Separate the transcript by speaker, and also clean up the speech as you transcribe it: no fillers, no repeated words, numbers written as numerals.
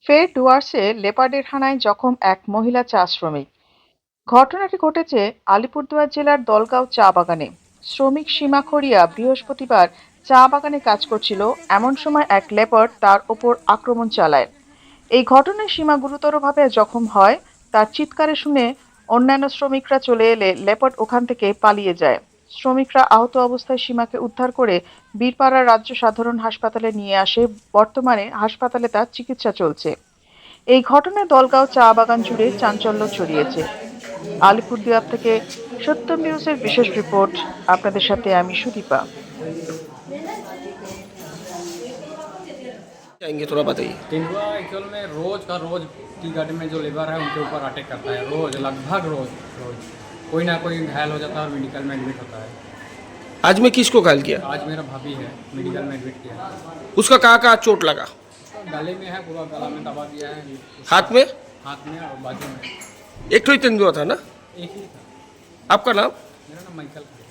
Speaker 1: ফের ডুয়ার্সে লেপার্ডের হানায় জখম এক মহিলা চা শ্রমিক। ঘটনাটি ঘটেছে আলিপুরদুয়ার জেলার দলগাঁও চা বাগানে। শ্রমিক সীমা খড়িয়া বৃহস্পতিবার চা বাগানে কাজ করছিল, এমন সময় এক লেপার্ড তার ওপর আক্রমণ চালায়। এই ঘটনায় সীমা গুরুতরভাবে জখম হয়। তার চিৎকারে শুনে অন্যান্য শ্রমিকরা চলে এলে লেপার্ড ওখান থেকে পালিয়ে যায়। শ্রমিকরা আহত অবস্থায় সীমাকে উদ্ধার করে বীরপাড়া রাজ্য সাধারণ হাসপাতালে নিয়ে আসে। বর্তমানে হাসপাতালে তার চিকিৎসা চলছে। এই ঘটনায় দলগাঁও চা বাগান জুড়ে চাঞ্চল্য ছড়িয়েছে। আলিপুরদুয়ার থেকে সত্যম নিউজের বিশেষ রিপোর্ট। আপনাদের সাথে আমি সুদীপা।
Speaker 2: जाएंगे थोड़ा बताइए।
Speaker 3: तेंदुआ एक्चुअल में रोज का रोज टी गार्डन में जो लेबर है उनके ऊपर अटैक करता है, रोज लगभग रोज रोज कोई ना कोई घायल हो जाता है और मेडिकल में एडमिट होता है।
Speaker 2: आज में किसको घायल किया?
Speaker 3: आज मेरा भाभी है, मेडिकल में एडमिट किया।
Speaker 2: उसका कहाँ कहाँ चोट लगा?
Speaker 3: तो गले में है, पूरा गला में दबा दिया है।
Speaker 2: हाथ में?
Speaker 3: हाथ में और बाजू में।
Speaker 2: एक तो ही तेंदुआ था ना?
Speaker 3: एक ही था।
Speaker 2: आपका नाम?
Speaker 3: मेरा नाम माइकल है।